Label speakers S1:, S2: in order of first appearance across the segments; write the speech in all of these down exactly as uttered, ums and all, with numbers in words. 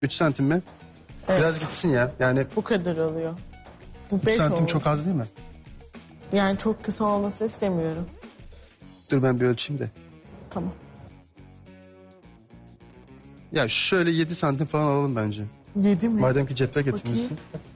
S1: üç santim mi?
S2: Evet.
S1: Biraz gitsin ya. Yani
S2: Bu kadar oluyor. Bu
S1: üç
S2: beş
S1: santim
S2: oldu.
S1: çok az değil mi?
S2: Yani çok kısa olması istemiyorum.
S1: Dur ben bir ölçeyim de.
S2: Tamam.
S1: Ya şöyle yedi santim falan alalım bence.
S2: Yedi mi?
S1: Madem ki cetvel getirmişsin.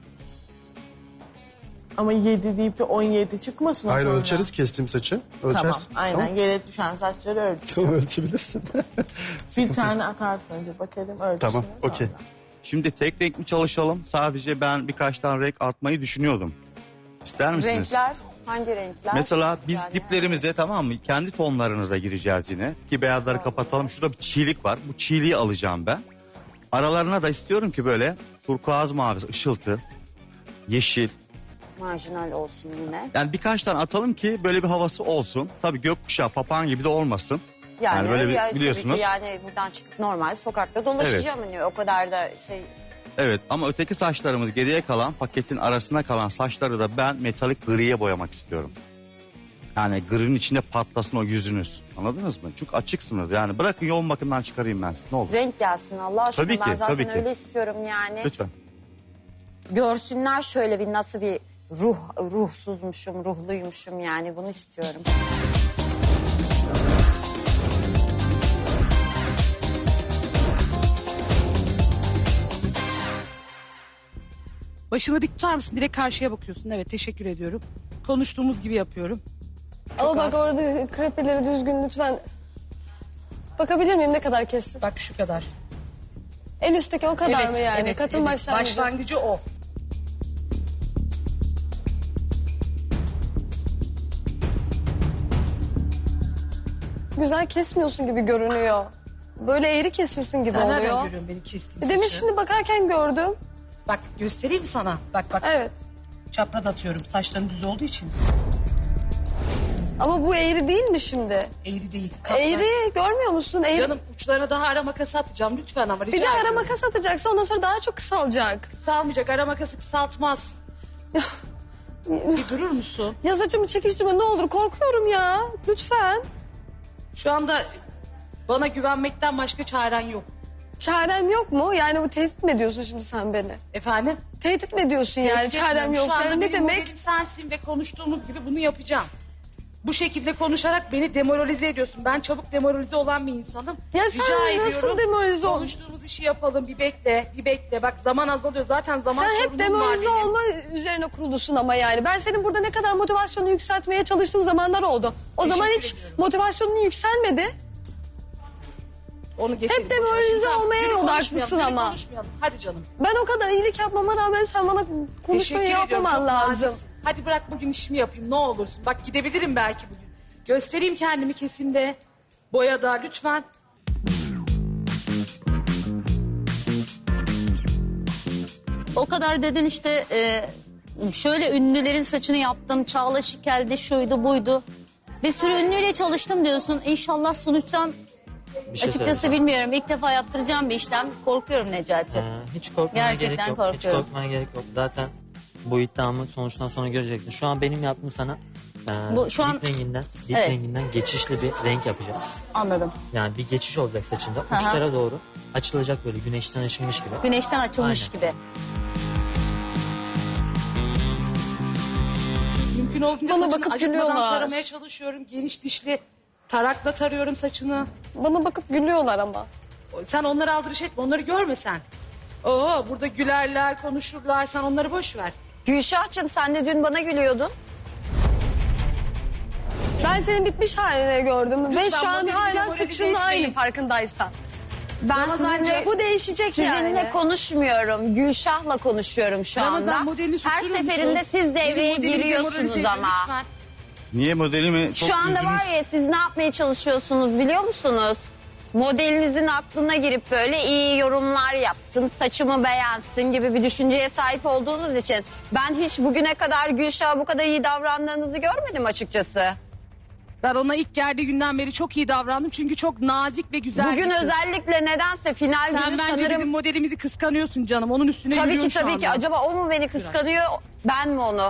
S2: Ama yedi deyip de on yedi çıkmasın o
S1: Hayır
S2: sonra.
S1: ölçeriz kestiğim saçı. Ölçersin.
S2: Tamam aynen
S1: Tamam,
S2: yere düşen saçları ölçün.
S1: tamam ölçebilirsin.
S2: Bir tane atarsın önce bakalım ölçüsüne
S1: Tamam,
S2: sonra.
S1: okey.
S3: Şimdi tek renk mi çalışalım? Sadece ben birkaç tane renk atmayı düşünüyordum. İster misiniz?
S4: Renkler hangi renkler?
S3: Mesela biz
S4: Yani-
S3: diplerimize tamam mı? Kendi tonlarınıza gireceğiz yine. Ki beyazları kapatalım. Şurada bir çiğlik var. Bu çiğliği alacağım ben. Aralarına da istiyorum ki böyle turkuaz mavisi, ışıltı, yeşil.
S4: Marjinal olsun yine.
S3: Yani birkaç tane atalım ki böyle bir havası olsun. Tabii gökkuşağı, papağan gibi de olmasın.
S4: Yani,
S3: Yani böyle bir-
S4: ya,
S3: biliyorsunuz.
S4: Tabii ki yani buradan çıkıp normal sokakta dolaşacağım. Hani o kadar da şey...
S3: Evet ama öteki saçlarımız geriye kalan paketin arasında kalan saçları da ben metalik griye boyamak istiyorum. Yani grinin içinde patlasın o yüzünüz. Anladınız mı? Çünkü açıksınız yani. Bırakın yoğun bakımdan çıkarayım ben size ne olur.
S4: Renk gelsin Allah aşkına.
S3: Tabii ki,
S4: ben zaten
S3: tabii ki.
S4: öyle istiyorum yani.
S3: Lütfen.
S4: Görsünler şöyle bir nasıl bir ruh ruhsuzmuşum, ruhluymuşum yani bunu istiyorum.
S5: Başını dik tutar mısın? Direkt karşıya bakıyorsun. Evet teşekkür ediyorum. Konuştuğumuz gibi yapıyorum.
S6: Ama bak orada krepeleri düzgün lütfen. Bakabilir miyim ne kadar kestin?
S5: Bak şu kadar.
S6: En üstteki o kadar
S5: evet,
S6: mı yani?
S5: evet,
S6: Katın
S5: evet.
S6: başlangıcı.
S5: Başlangıcı o.
S6: Güzel kesmiyorsun gibi görünüyor. Böyle eğri kesiyorsun gibi
S5: Sen nereden
S6: oluyor.
S5: görüyorsun beni kestiğim
S6: E Demin
S5: saçı?
S6: şimdi bakarken gördüm.
S5: Bak göstereyim mi sana? Bak bak.
S6: Evet.
S5: Çapraz atıyorum. Saçların düz olduğu için.
S6: Ama bu eğri değil mi şimdi?
S5: Eğri değil. Katlar.
S6: Eğri görmüyor musun? Eğri.
S5: Canım uçlarına daha ara makası atacağım lütfen ama rica
S6: Bir de ara
S5: ediyorum.
S6: makas atacaksa ondan sonra daha çok kısalacak.
S5: Kısalmayacak. Ara makası kısaltmaz. Bir durur musun?
S6: Ya saçımı çekiştirme ne olur korkuyorum ya. Lütfen.
S5: Şu anda bana güvenmekten başka çaren yok.
S6: Çarem yok mu? Yani bu tehdit mi ediyorsun şimdi sen beni?
S5: Efendim?
S6: Tehdit mi ediyorsun yani?
S5: Tehdit
S6: Çarem
S5: etmiyorum.
S6: yok.
S5: Şu anda
S6: Yani ne
S5: benim
S6: demek?
S5: modelim sensin ve konuştuğumuz gibi bunu yapacağım. Bu şekilde konuşarak beni demoralize ediyorsun. Ben çabuk demoralize olan bir insanım.
S6: Ya sen
S5: Rica
S6: nasıl
S5: ediyorum,
S6: demoralize ol-
S5: Konuştuğumuz işi yapalım. Bir bekle, bir bekle. Bak zaman azalıyor. Zaten zaman
S6: Sen hep
S5: sorunum var
S6: demoralize
S5: benim.
S6: olma üzerine kurulusun ama yani. Ben senin burada ne kadar motivasyonunu yükseltmeye çalıştığım zamanlar oldu. O
S5: Teşekkür
S6: zaman hiç
S5: ediyorum.
S6: motivasyonun yükselmedi.
S5: Onu geçelim.
S6: Hep demoralize
S5: Boş ver. Şimdi
S6: olmaya
S5: yürü
S6: odaklısın
S5: konuşmayalım, yürü
S6: ama.
S5: konuşmayalım. Hadi canım.
S6: Ben o kadar iyilik yapmama rağmen sen bana konuşmayı
S5: Teşekkür ediyorum,
S6: yapmaman
S5: çok
S6: lazım.
S5: naziksin. Hadi bırak bugün işimi yapayım ne olursun. Bak gidebilirim belki bugün. Göstereyim kendimi kesimde. Boyada lütfen.
S7: O kadar dedin işte e, şöyle ünlülerin saçını yaptım. Çağla Şikel'de şuydu buydu. Bir sürü ünlüyle çalıştım diyorsun. İnşallah sonuçtan
S8: Bir şey
S7: açıkçası
S8: söyleyeceğim.
S7: bilmiyorum. İlk defa yaptıracağım bir işlem. Korkuyorum Necati.
S8: Ee, hiç korkmana
S7: Gerçekten
S8: gerek yok. Hiç
S7: korkuyorum.
S8: korkmana gerek yok. Zaten bu iddiamı sonuçtan sonra görecektin. Şu an benim yaptığım sana e,
S7: Bu şu
S8: dip
S7: an-
S8: renginden, dip
S7: Evet.
S8: renginden geçişli bir renk yapacağız.
S7: Anladım.
S8: Yani bir geçiş olacak saçında.
S7: hı.
S8: Uçlara doğru açılacak böyle güneşten ışınmış gibi.
S7: Güneşten açılmış
S8: Aynen.
S7: gibi.
S5: Mümkün olduğunca
S6: Bana
S5: saçını
S6: bakıp
S5: acıtmadan
S6: gülüyorlar.
S5: taramaya çalışıyorum. Geniş dişli tarakla tarıyorum saçını.
S6: Bana bakıp gülüyorlar ama.
S5: Sen onları aldırış etme. Onları görme sen. Oo, burada gülerler, konuşurlar. Sen onları boş ver.
S4: Gülşah'cığım sen de dün bana gülüyordun.
S6: Ben senin bitmiş halini gördüm. Ve
S5: Lütfen
S6: şu an
S5: modeli
S6: hala
S5: demoralize
S6: saçınla
S5: etmeyin.
S6: aynı farkındaysan.
S4: Ben
S5: Ramazan
S4: sizinle,
S6: Bu değişecek
S4: sizinle
S6: yani.
S4: konuşmuyorum. Gülşah'la konuşuyorum şu
S5: Ramazan
S4: anda.
S5: modelini
S4: Her
S5: susturur
S4: seferinde
S5: musun?
S4: siz
S5: Benim
S4: devreye
S5: modelimi
S4: giriyorsunuz
S5: demoralize ediyor,
S4: ama.
S5: lütfen.
S3: Niye modelimi çok
S4: Şu anda
S3: yüzünüz-
S4: var ya siz ne yapmaya çalışıyorsunuz biliyor musunuz? Modelinizin aklına girip böyle iyi yorumlar yapsın, saçımı beğensin gibi bir düşünceye sahip olduğunuz için ben hiç bugüne kadar Gülşah'a bu kadar iyi davrandığınızı görmedim açıkçası.
S5: Ben ona ilk geldiği günden beri çok iyi davrandım. Çünkü çok nazik ve güzel
S4: Bugün
S5: bir kız.
S4: özellikle nedense final
S5: Sen
S4: günü
S5: bence
S4: sanırım...
S5: bizim modelimizi kıskanıyorsun canım. Onun üstüne
S4: Tabii ki
S5: yürüyorsun şu
S4: tabii ki.
S5: anda.
S4: Acaba o mu beni kıskanıyor, ben mi onu?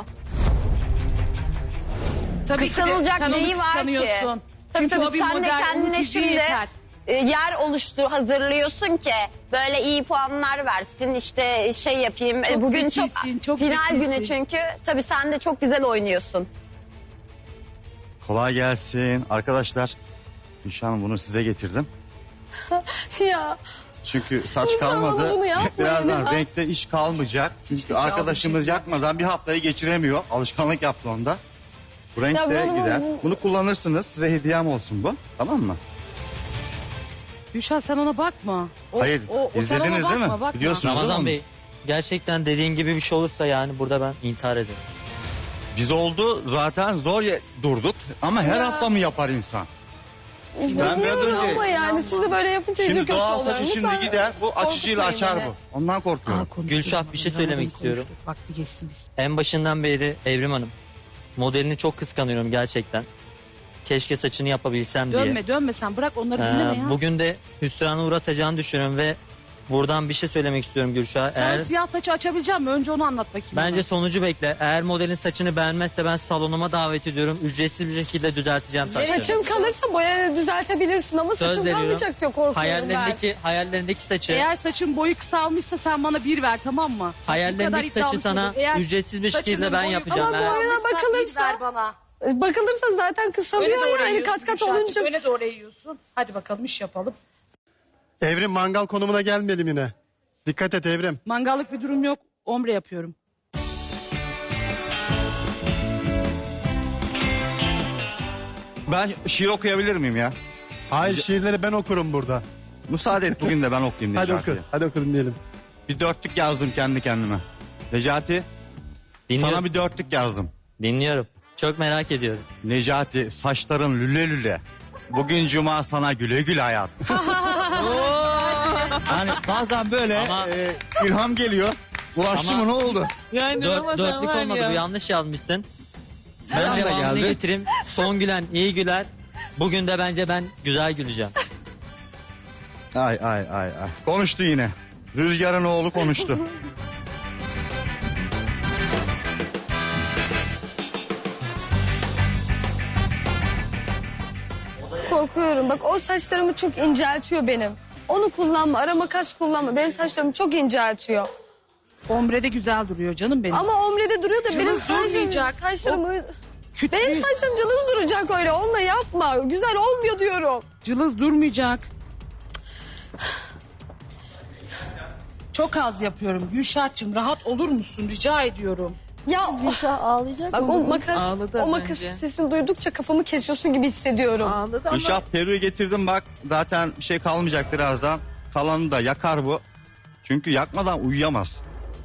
S5: Tabii ki de
S4: Kıskanılacak
S5: sen onu
S4: neyi var ki?
S5: kıskanıyorsun.
S4: Tabii
S5: Çünkü
S4: tabii
S5: o bir
S4: sen de
S5: model, onun
S4: kendine
S5: fiziği
S4: şimdi
S5: yeter.
S4: e, yer oluştur hazırlıyorsun ki böyle iyi puanlar versin işte şey yapayım.
S5: Çok
S4: E, bugün çok,
S5: zekisin, çok
S4: final
S5: zekisin.
S4: günü çünkü tabii sen de çok güzel oynuyorsun.
S3: Kolay gelsin. Arkadaşlar Gülşah Hanım bunu size getirdim.
S6: Ya
S3: Çünkü saç
S6: Lütfen
S3: kalmadı.
S6: bana bunu yapmayın
S3: Birazdan
S6: ya.
S3: renkte iş kalmayacak. Çünkü arkadaşımız yakmadan bir haftayı geçiremiyor. Alışkanlık yaptı onda. Bu renk
S6: Ya
S3: de
S6: bana
S3: gider.
S6: bu-
S3: Bunu kullanırsınız. Size hediyem olsun bu. Tamam mı?
S5: Gülşah sen ona bakma. O,
S3: Hayır.
S5: o- o sen
S3: izlediniz
S5: ona
S3: değil mi?
S5: bakma, bakma.
S3: Biliyorsunuz değil mi
S8: Ramazan
S3: onu?
S8: Bey gerçekten dediğin gibi bir şey olursa yani burada ben intihar ederim.
S3: Biz oldu zaten zor ye- durduk. Ama her hafta mı yapar insan? biraz
S6: biliyorum
S3: önce-
S6: ama yani siz de böyle yapınca iyice
S3: Şimdi
S6: kötü
S3: doğal
S6: oluyorum.
S3: saçı şimdi
S6: Lütfen
S3: gider. Bu açıcıyla
S6: korkutmayın
S3: açar
S6: beni.
S3: bu. Ondan korkuyorum.
S8: Gülşah, bir şey söylemek istiyorum.
S5: Vakti geçsin biz.
S8: En başından beri Evrim Hanım modelini çok kıskanıyorum gerçekten. Keşke saçını yapabilsem diye.
S5: Dönme dönme sen bırak onları
S8: Ee,
S5: dinleme ya.
S8: bugün de hüsrana uğratacağını düşünüyorum ve buradan bir şey söylemek istiyorum Gülşah.
S5: Sen
S8: Eğer
S5: siyah saçı açabilecek misin? Önce onu anlat bakayım.
S8: bence
S5: bana.
S8: sonucu bekle. Eğer modelin saçını beğenmezse ben salonuma davet ediyorum. Ücretsiz bir şekilde düzelteceğim saçlarını.
S6: Saçın kalırsa boya düzeltebilirsin ama
S8: Söz
S6: saçın
S8: veriyorum.
S6: kalmayacak diyor korkuyorum ben.
S8: Hayallerindeki hayallerindeki saçı,
S5: Eğer saçın boyu kısalmışsa sen bana bir ver tamam mı? Bu kadar
S8: hayallerindeki saçı
S5: iddialı
S8: sana
S5: çocuk. Eğer
S8: ücretsiz bir şekilde
S5: saçının
S8: ben
S5: boyu
S8: yapacağım.
S6: Ama
S8: Eğer-
S6: boyuna
S5: kısalmışsa
S6: bakılırsa-
S5: bir ver bana.
S6: Bakılırsa zaten
S5: Öne
S6: kısalıyor
S5: doğru
S6: yani
S5: eğiyorsun
S6: kat kat
S5: Gülşah'cığım,
S6: olunca.
S5: Öne doğru eğiyorsun. Hadi bakalım iş yapalım.
S1: Evrim mangal konumuna gelmeyelim yine. Dikkat et Evrim.
S5: Mangallık bir durum yok. Ombre yapıyorum.
S3: Ben şiir okuyabilir miyim ya?
S1: Hayır şiirleri ben okurum burada.
S3: Müsaade et bugün de ben okuyayım
S1: Hadi
S3: Necati.
S1: oku. Hadi okudum diyelim.
S3: Bir dörtlük yazdım kendi kendime. Necati
S8: Dinliyorum.
S3: sana bir dörtlük yazdım.
S8: Dinliyorum. Çok merak ediyorum.
S3: Necati saçların lüle lüle. Bugün cuma sana güle güle hayat. Yani bazen böyle
S8: Ama-
S3: e, ilham geliyor. Ulaştı
S8: Ama-
S3: mı ne oldu?
S8: Dört, dörtlük olmadı bu, yanlış yazmışsın. Ben
S3: Selam da
S8: devamını
S3: geldi.
S8: getireyim. Son gülen iyi güler. Bugün de bence ben güzel güleceğim.
S3: Ay ay ay ay. Konuştu yine. Rüzgar'ın oğlu konuştu.
S6: Korkuyorum. Bak o saçlarımı çok inceltiyor benim. Onu kullanma. Ara makas kullanma. Benim saçlarımı çok inceltiyor.
S5: Ombre de güzel duruyor canım benim.
S6: Ama omrede duruyor da benim
S5: Cılız
S6: saçlarım,
S5: durmayacak.
S6: saçlarımı...
S5: Küt
S6: Benim
S5: bir-
S6: saçlarım cılız duracak öyle. Onunla yapma. Güzel olmuyor diyorum.
S5: Cılız durmayacak. Çok az yapıyorum. Gülşah'cığım rahat olur musun? Rica ediyorum.
S6: Ya
S7: Ağlayacak
S6: bak o makas,
S2: Ağladı
S6: o
S2: az
S6: makas
S2: önce.
S6: sesini duydukça kafamı kesiyorsun gibi hissediyorum.
S2: Ağladı ama
S3: Gülşah Peru'yu getirdim bak. Zaten bir şey kalmayacak birazdan. Kalanı da yakar bu. Çünkü yakmadan uyuyamaz.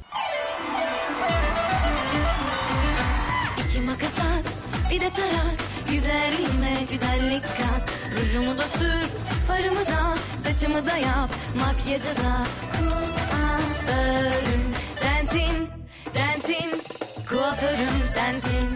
S9: İki makas at, bir de tarak. Güzelliğime güzellik kat. Rujumu da sür, farımı da, saçımı da yap. Makyajı da kuaförüm sensin, sensin. Kuaförüm sensin.